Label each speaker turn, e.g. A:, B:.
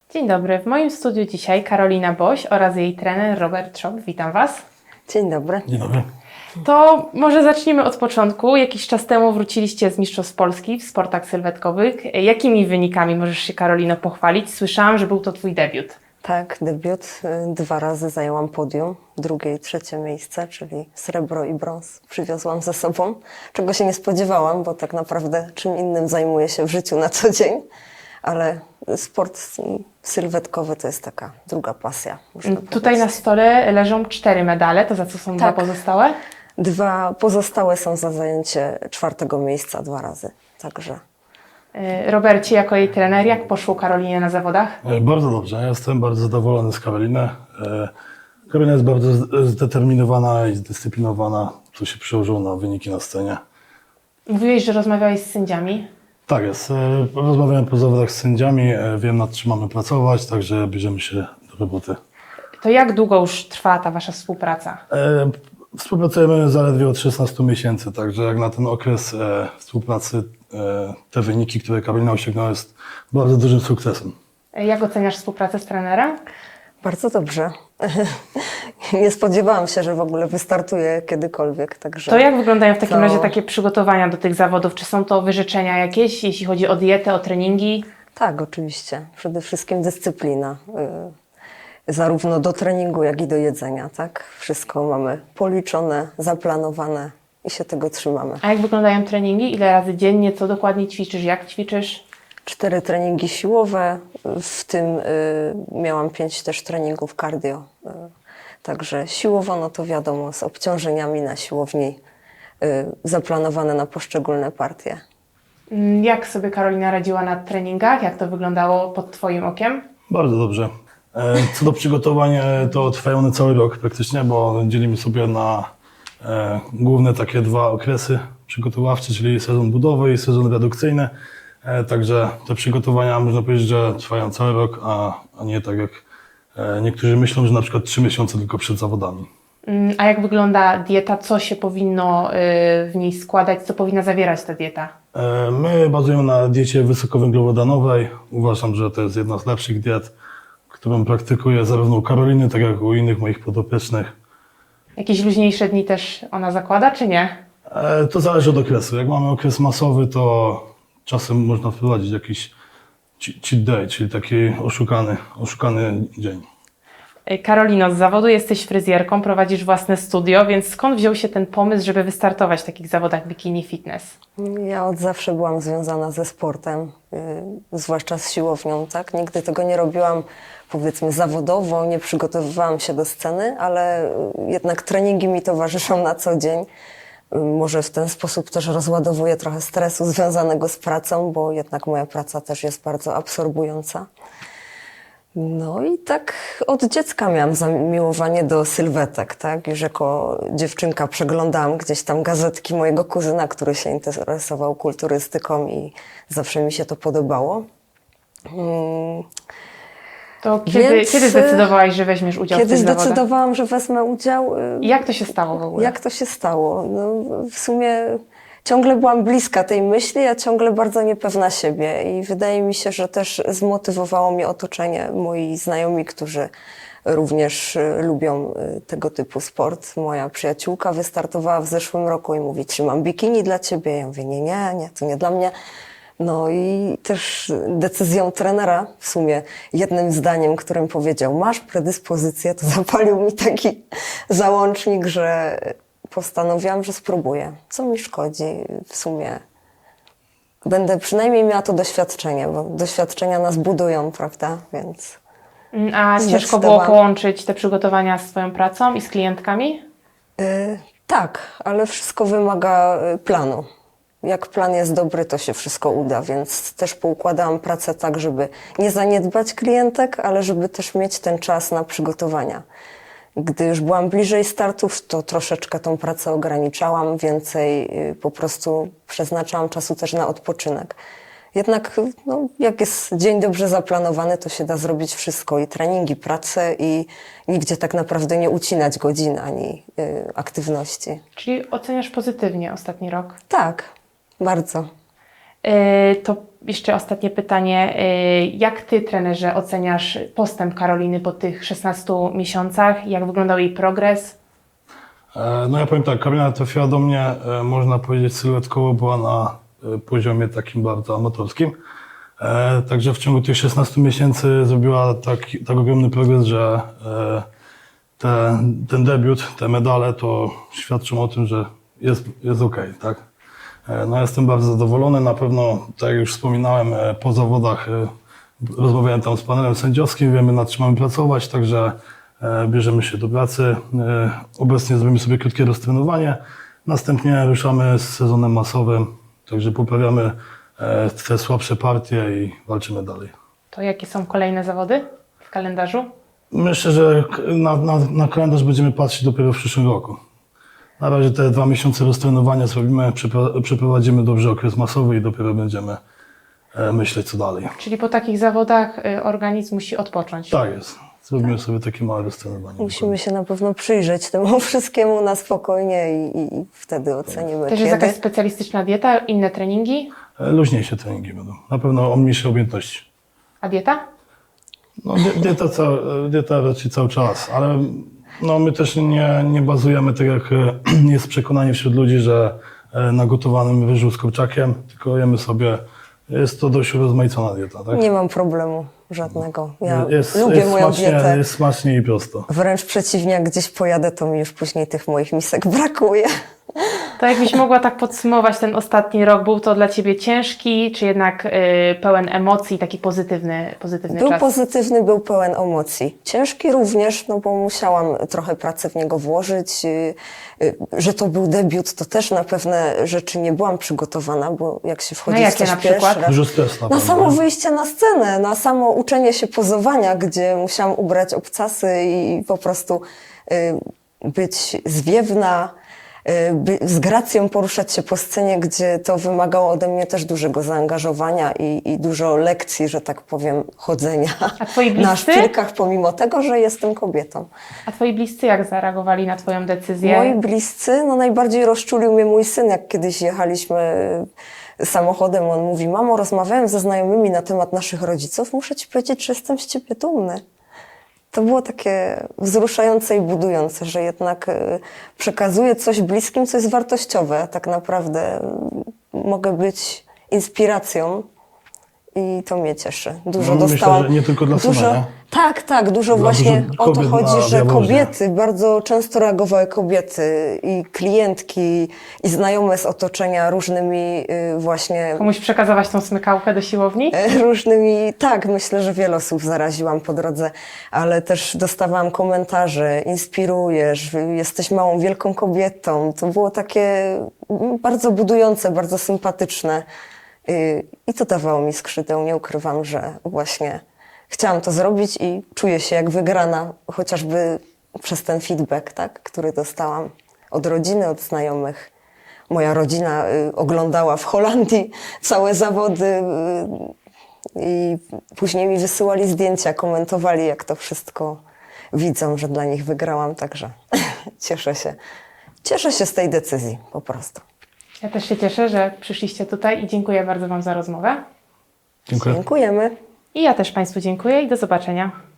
A: Dzień dobry, w moim studiu dzisiaj Karolina Boś oraz jej trener Robert Szop. Witam Was.
B: Dzień dobry.
C: Dzień dobry.
A: To może zacznijmy od początku. Jakiś czas temu wróciliście z Mistrzostw Polski w sportach sylwetkowych. Jakimi wynikami możesz się, Karolino, pochwalić? Słyszałam, że był to Twój debiut.
B: Tak, debiut. 2 razy zajęłam podium, drugie i trzecie miejsce, czyli srebro i brąz przywiozłam ze sobą, czego się nie spodziewałam, bo tak naprawdę czym innym zajmuję się w życiu na co dzień, ale sport sylwetkowy to jest taka druga pasja.
A: Tutaj na stole leżą 4 medale, to za co są 2
B: Tak.
A: pozostałe?
B: 2 pozostałe są za zajęcie 4. miejsca 2 razy, także...
A: Robercie, jako jej trener, jak poszło Karolinie na zawodach?
C: Bardzo dobrze. Ja jestem bardzo zadowolony z Karoliny. Karolina jest bardzo zdeterminowana i zdyscyplinowana, co się przełożyło na wyniki na scenie.
A: Mówiłeś, że rozmawiałeś z sędziami.
C: Tak jest. Rozmawiałem po zawodach z sędziami, wiem nad czym mamy pracować, także bierzemy się do roboty.
A: To jak długo już trwa ta Wasza współpraca?
C: Współpracujemy zaledwie od 16 miesięcy, także jak na ten okres współpracy te wyniki, które Karolina osiągnęła, jest bardzo dużym sukcesem.
A: Jak oceniasz współpracę z trenerem?
B: Bardzo dobrze. Nie spodziewałam się, że w ogóle wystartuję kiedykolwiek, także...
A: To jak wyglądają w takim
B: To-
A: razie takie przygotowania do tych zawodów? Czy są to wyrzeczenia jakieś, jeśli chodzi o dietę, o treningi?
B: Tak, oczywiście. Przede wszystkim dyscyplina. Zarówno do treningu, jak i do jedzenia, tak? Wszystko mamy policzone, zaplanowane i się tego trzymamy.
A: A jak wyglądają treningi? Ile razy dziennie? Co dokładnie ćwiczysz? Jak ćwiczysz?
B: 4 treningi siłowe, w tym miałam 5 też treningów cardio. Także siłowo, no to wiadomo, z obciążeniami na siłowni, zaplanowane na poszczególne partie.
A: Jak sobie Karolina radziła na treningach? Jak to wyglądało pod Twoim okiem?
C: Bardzo dobrze. Co do przygotowań, to trwają one cały rok praktycznie, bo dzielimy sobie na główne takie 2 okresy przygotowawcze, czyli sezon budowy i sezon redukcyjny. Także te przygotowania, można powiedzieć, że trwają cały rok, a nie tak jak niektórzy myślą, że na przykład 3 miesiące tylko przed zawodami.
A: A jak wygląda dieta? Co się powinno w niej składać? Co powinna zawierać ta dieta?
C: My bazujemy na diecie wysokowęglowodanowej. Uważam, że to jest jedna z lepszych diet, którą praktykuję zarówno u Karoliny, tak jak u innych moich podopiecznych.
A: Jakieś luźniejsze dni też ona zakłada, czy nie?
C: To zależy od okresu. Jak mamy okres masowy, to czasem można wprowadzić jakiś cheat day, czyli taki oszukany dzień.
A: Karolino, z zawodu jesteś fryzjerką, prowadzisz własne studio, więc skąd wziął się ten pomysł, żeby wystartować w takich zawodach bikini fitness?
B: Ja od zawsze byłam związana ze sportem, zwłaszcza z siłownią, tak? Nigdy tego nie robiłam, powiedzmy, zawodowo, nie przygotowywałam się do sceny, ale jednak treningi mi towarzyszą na co dzień. Może w ten sposób też rozładowuję trochę stresu związanego z pracą, bo jednak moja praca też jest bardzo absorbująca. No i tak od dziecka miałam zamiłowanie do sylwetek, tak? Już jako dziewczynka przeglądałam gdzieś tam gazetki mojego kuzyna, który się interesował kulturystyką i zawsze mi się to podobało.
A: To
B: Więc,
A: kiedy zdecydowałaś, że weźmiesz udział w
B: Kiedy
A: tych zawodach?
B: zdecydowałam, że wezmę udział,
A: I jak to się stało w ogóle?
B: jak to się stało? No, w sumie ciągle byłam bliska tej myśli, a ciągle bardzo niepewna siebie i wydaje mi się, że też zmotywowało mnie otoczenie, moi znajomi, którzy również lubią tego typu sport. Moja przyjaciółka wystartowała w zeszłym roku i mówi, czy mam bikini dla ciebie? Ja mówię, nie, to nie dla mnie. No i też decyzją trenera, w sumie jednym zdaniem, którym powiedział, masz predyspozycję, to zapalił mi taki załącznik, że postanowiłam, że spróbuję. Co mi szkodzi w sumie? Będę przynajmniej miała to doświadczenie, bo doświadczenia nas budują, prawda? Więc
A: A ciężko było
B: zdecydowałam.
A: połączyć te przygotowania z swoją pracą i z klientkami?
B: tak, ale wszystko wymaga planu. Jak plan jest dobry, to się wszystko uda, więc też poukładałam pracę tak, żeby nie zaniedbać klientek, ale żeby też mieć ten czas na przygotowania. Gdy już byłam bliżej startów, to troszeczkę tą pracę ograniczałam, więcej po prostu przeznaczałam czasu też na odpoczynek. Jednak no, jak jest dzień dobrze zaplanowany, to się da zrobić wszystko, i treningi, pracę, i nigdzie tak naprawdę nie ucinać godzin ani aktywności.
A: Czyli oceniasz pozytywnie ostatni rok.
B: Tak, bardzo.
A: To jeszcze ostatnie pytanie. Jak Ty, trenerze, oceniasz postęp Karoliny po tych 16 miesiącach? Jak wyglądał jej progres?
C: No ja powiem tak, Karolina trafiła do mnie, można powiedzieć, sylwetkowo była na poziomie takim bardzo amatorskim. Także w ciągu tych 16 miesięcy zrobiła tak ogromny progres, że ten debiut, te medale to świadczą o tym, że jest okej, tak? No jestem bardzo zadowolony, na pewno, tak jak już wspominałem, po zawodach rozmawiałem tam z panelem sędziowskim, wiemy nad czym mamy pracować, także bierzemy się do pracy. Obecnie zrobimy sobie krótkie roztrenowanie, następnie ruszamy z sezonem masowym, także poprawiamy te słabsze partie i walczymy dalej.
A: To jakie są kolejne zawody w kalendarzu?
C: Myślę, że na kalendarz będziemy patrzeć dopiero w przyszłym roku. Na razie te 2 miesiące roztrenowania zrobimy, przeprowadzimy dobrze okres masowy i dopiero będziemy myśleć co dalej.
A: Czyli po takich zawodach organizm musi odpocząć.
C: Tak jest. Zrobimy sobie takie małe roztrenowanie.
B: Musimy się na pewno przyjrzeć temu wszystkiemu na spokojnie i wtedy ocenimy,
A: Też jest
B: kiedy.
A: jakaś specjalistyczna dieta, inne treningi?
C: Luźniejsze treningi będą. Na pewno o mniejszej objętości.
A: A dieta?
C: No, dieta raczej cały czas, ale no, my też nie bazujemy, tak jak jest przekonanie wśród ludzi, że na gotowanym ryżu z kurczakiem, tylko jemy sobie, jest to dość urozmaicona dieta, tak?
B: Nie mam problemu żadnego. Ja
C: Jest
B: lubię moją dietę.
C: Jest smacznie i prosto.
B: Wręcz przeciwnie, jak gdzieś pojadę, to mi już później tych moich misek brakuje.
A: To jakbyś mogła tak podsumować ten ostatni rok, był to dla Ciebie ciężki, czy jednak pełen emocji, taki pozytywny
B: Był
A: czas?
B: pozytywny, był pełen emocji. Ciężki również, no bo musiałam trochę pracy w niego włożyć. Że to był debiut, to też na pewne rzeczy nie byłam przygotowana, bo jak się wchodzi
A: No
B: w
A: jakie
B: coś
A: na przykład?
B: pierwszy raz,
C: Dużo stresu
B: na
C: pewno.
B: samo wyjście na scenę, na samo uczenie się pozowania, gdzie musiałam ubrać obcasy i po prostu być zwiewna, z gracją poruszać się po scenie, gdzie to wymagało ode mnie też dużego zaangażowania i dużo lekcji, że tak powiem, chodzenia
A: A Twoi
B: na
A: bliscy?
B: szpilkach, pomimo tego, że jestem kobietą.
A: A Twoi bliscy jak zareagowali na Twoją decyzję?
B: Moi bliscy, no najbardziej rozczulił mnie mój syn, jak kiedyś jechaliśmy samochodem, on mówi: mamo, rozmawiałem ze znajomymi na temat naszych rodziców, muszę ci powiedzieć, że jestem z ciebie dumny. To było takie wzruszające i budujące, że jednak przekazuję coś bliskim, co jest wartościowe. Tak naprawdę mogę być inspiracją i to mnie cieszy. Dużo
C: No, myślę,
B: dostałam.
C: że nie tylko dla syna, nie?
B: Tak, dużo
C: Dla
B: właśnie
C: dużo
B: o to
C: kobiet
B: chodzi,
C: na
B: że
C: Jaworznie.
B: kobiety, bardzo często reagowały kobiety i klientki i znajome z otoczenia różnymi właśnie
A: Komuś przekazałaś tą smykałkę do siłowni?
B: różnymi, tak, myślę, że wiele osób zaraziłam po drodze, ale też dostawałam komentarze: inspirujesz, jesteś małą, wielką kobietą. To było takie bardzo budujące, bardzo sympatyczne i to dawało mi skrzydeł. Nie ukrywam, że właśnie chciałam to zrobić i czuję się jak wygrana, chociażby przez ten feedback, tak, który dostałam od rodziny, od znajomych. Moja rodzina oglądała w Holandii całe zawody i później mi wysyłali zdjęcia, komentowali, jak to wszystko widzą, że dla nich wygrałam, także cieszę się. Cieszę się z tej decyzji po prostu.
A: Ja też się cieszę, że przyszliście tutaj i dziękuję bardzo Wam za rozmowę.
C: Dziękuję.
B: Dziękujemy.
A: I ja też Państwu dziękuję i do zobaczenia.